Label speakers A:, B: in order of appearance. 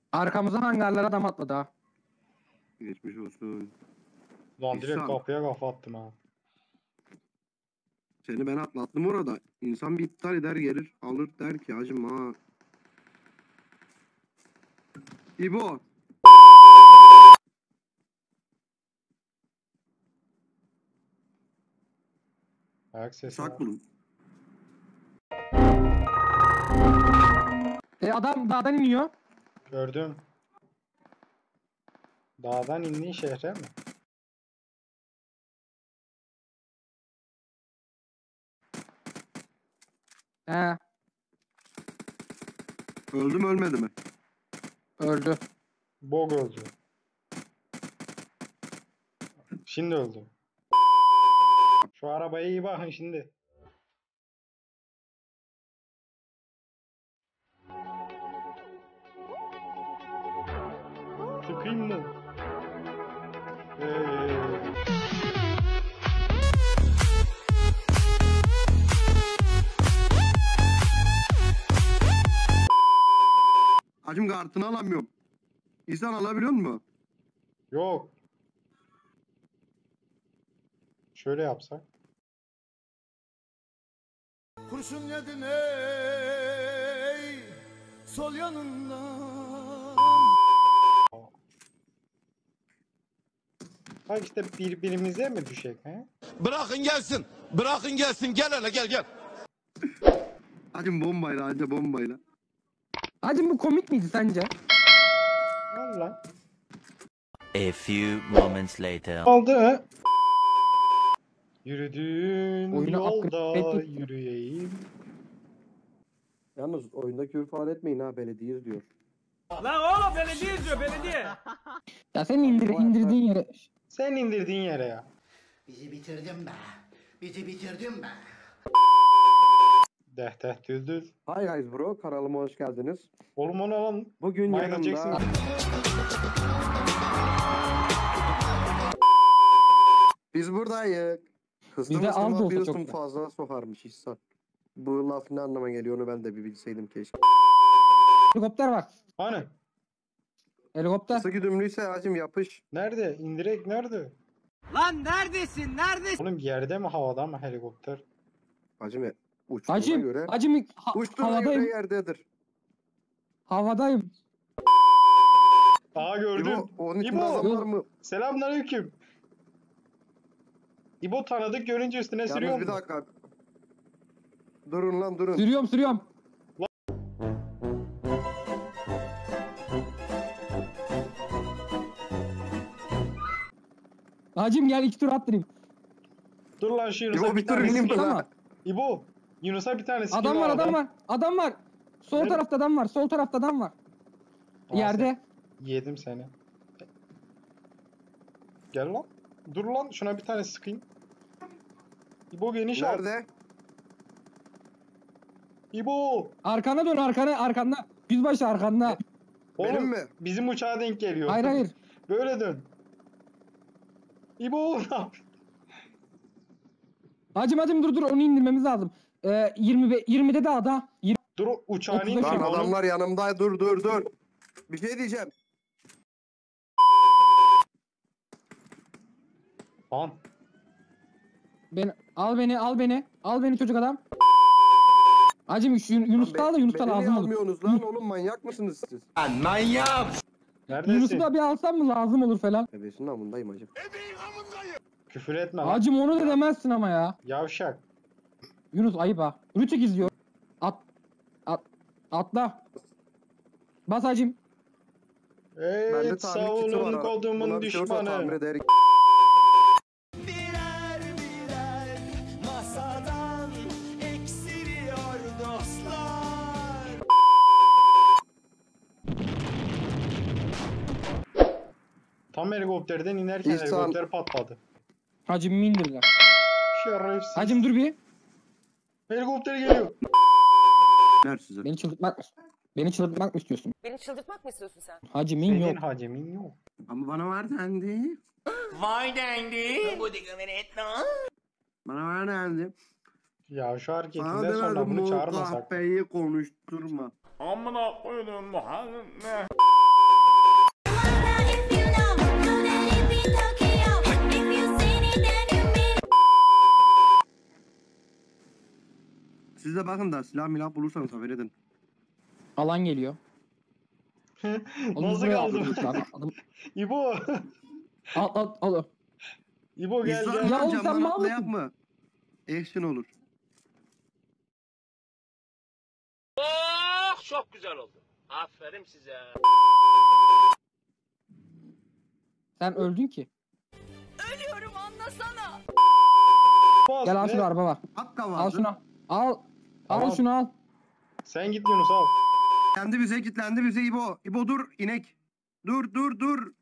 A: Arkamızdan hangarlara adam atladı ha.
B: Geçmiş olsun.
C: Lan direkt
B: İhsan.
C: kapıya kafa attım ha.
B: Seni ben atlattım orada. İnsan bir iptal eder gelir alır der ki hacım ha. İbo.
C: Ayak sesi var.
B: Sak bulun.
A: Adam dağdan iniyor.
C: Gördüm. Dağdan indiğin şehre mi?
A: He,
B: Öldü mü ölmedi mi?
A: öldü.
C: Bog öldü. Şimdi öldü. Şu arabaya iyi bakın şimdi. Sıkayım mı?
B: Hacım kartını alamıyorum. İnsan alabiliyor mu?
C: Yok. Şöyle yapsak.
D: Kurşun yedin ey sol yanından.
C: Bak işte birbirimize mi düşecek he?
D: Bırakın gelsin. Bırakın gelsin. Gel hele gel.
B: Hacım bombayla anca bombayla.
A: Hacım bu komik miydi sence?
C: Valla.
E: A few moments later.
C: Aldı he. Yürüdüğün
A: Oyunu
C: yolda
A: upgrade ettik.
C: yürüyeyim.
B: Yalnız oyunda küfür falan etmeyin ha belediye diyor.
F: Lan oğlum belediye izliyor belediye.
A: Ya sen indirdiğin yere.
C: Sen indirdiğin yere ya.
G: Bizi bitirdin be. Bizi bitirdin be.
C: Deh düldül.
B: Hi guys bro kanalıma hoş geldiniz.
C: Oğlum onu lan.
B: Bugün
C: Michael
B: yanımda...
C: Jackson.
B: Biz buradayız.
A: Bizde az da olsa çok
B: Hıstım
A: da.
B: fazla sokarmış İhsan. Bu laf ne anlama geliyor onu ben de bir bilseydim keşke.
A: Helikopter var.
C: Hani?
A: Helikopter.
B: Kısa güdümlüyse hacım yapış.
C: Nerede? İndirek nerede?
F: Lan neredesin neredesin?
C: Oğlum yerde mi havada mı helikopter?
B: Hacım uçtuğuna
A: Hacım,
B: göre.
A: hacım
B: Uçtuğuna
A: havadayım.
B: göre yerdedir.
A: Havadayım.
C: Aa gördüm.
B: İbo, onun için
C: İbo.
B: adam var mı?
C: Selamünaleyküm. İbo tanıdık görünce üstüne sürüyor
B: Yalnız bir
C: mu?
B: dakika. Durun lan durun.
A: Sürüyorum. Hacım gel 2 tur attırayım.
C: Dur lan şu Yunus'a
B: İbo
C: bir
B: bir tur
C: tane
B: ineyim
C: skin.
B: bana.
C: İbo. Yunus'a bir tane skin
A: Adam var. Adam var. Sol
C: Nerede?
A: tarafta adam var. Sol tarafta adam var.
C: Aa,
A: Yerde.
C: Yedim seni. Gel lan. Dur lan şuna bir tane sıkayım. İbo geniş al.
B: Nerede?
C: İbo.
A: Arkana dön arkanda. Yüzbaşı arkanda.
C: Oğlum
B: Benim mi?
C: bizim uçağa denk geliyor.
A: Hayır.
C: Böyle dön. İbo ne yap?
A: Hacım dur onu indirmemiz lazım. 20'de de ada.
C: Dur uçağını
A: 35
C: indir.
B: Lan
A: Oğlum.
B: adamlar yanımda dur. Bir şey diyeceğim.
C: Lan.
A: Al beni çocuk adam. Hacım şu Yunus'u da al da Yunus'u da
B: Beni niye
A: lazım olur.
B: almıyorsunuz lan oğlum manyak mısınız siz?
C: Neredesin?
A: Yunus'u da bir alsam mı lazım olur falan.
B: Ebesinin amındayım hacım.
C: Küfür etme lan.
A: Hacım onu da demezsin ama ya.
C: Yavşak.
A: Yunus ayıp ha. Rütük izliyor. Atla. Bas hacım.
B: Bende
C: Evet
B: tamir kiti var.
C: savunun
B: ha.
C: kodumun
B: Buna bir şey olursa tamir
C: düşmanı.
B: ederim.
D: Birer birer masadan eksiliyor dostlar.
C: Tam helikopterden inerken
B: İhsan.
C: helikopter patladı.
A: Hacım indirler.
C: Şerefsiz.
A: Hacım dur bir.
C: Helikopter geliyor.
B: Ver size.
A: Beni çıldırtmak mı istiyorsun?
H: Beni çıldırtmak mı istiyorsun sen?
A: Hacım
C: Senin
A: yok.
C: hacemin yok.
B: Ama bana var dendi.
H: Vay dendi. Bu digimini etme.
B: Bana var dendi.
C: Ya şu
B: Bana
C: hareketinden sonra
B: demedim
C: bunu
B: bu
C: çağırmasak.
B: kahpeyi konuşturma.
F: Amına koydum Muhammed.
B: Siz de bakın da silah milah bulursanız haber edin.
A: Alan geliyor. Oğlum
C: Nasıl
A: buraya
C: kaldım?
A: atladık abi. Adam-
C: İbo.
A: Al.
C: İbo gel
B: İnsan
C: gel.
A: Ya oğlum sen
B: camdan
A: mal
B: atlayak
A: mısın?
B: mı? Action olur.
F: Oh çok güzel oldu. Aferin size.
A: Sen öldün ki.
H: Ölüyorum anlasana.
C: Bas,
A: Gel al
C: ne?
A: şunu araba var.
B: Hakka vardı.
A: Al şunu. Al. Al
C: Tamam.
A: şunu al.
C: Sen git Yunus al.
B: Kendi bize kilitlendi bize İbo. İbo dur inek. Dur.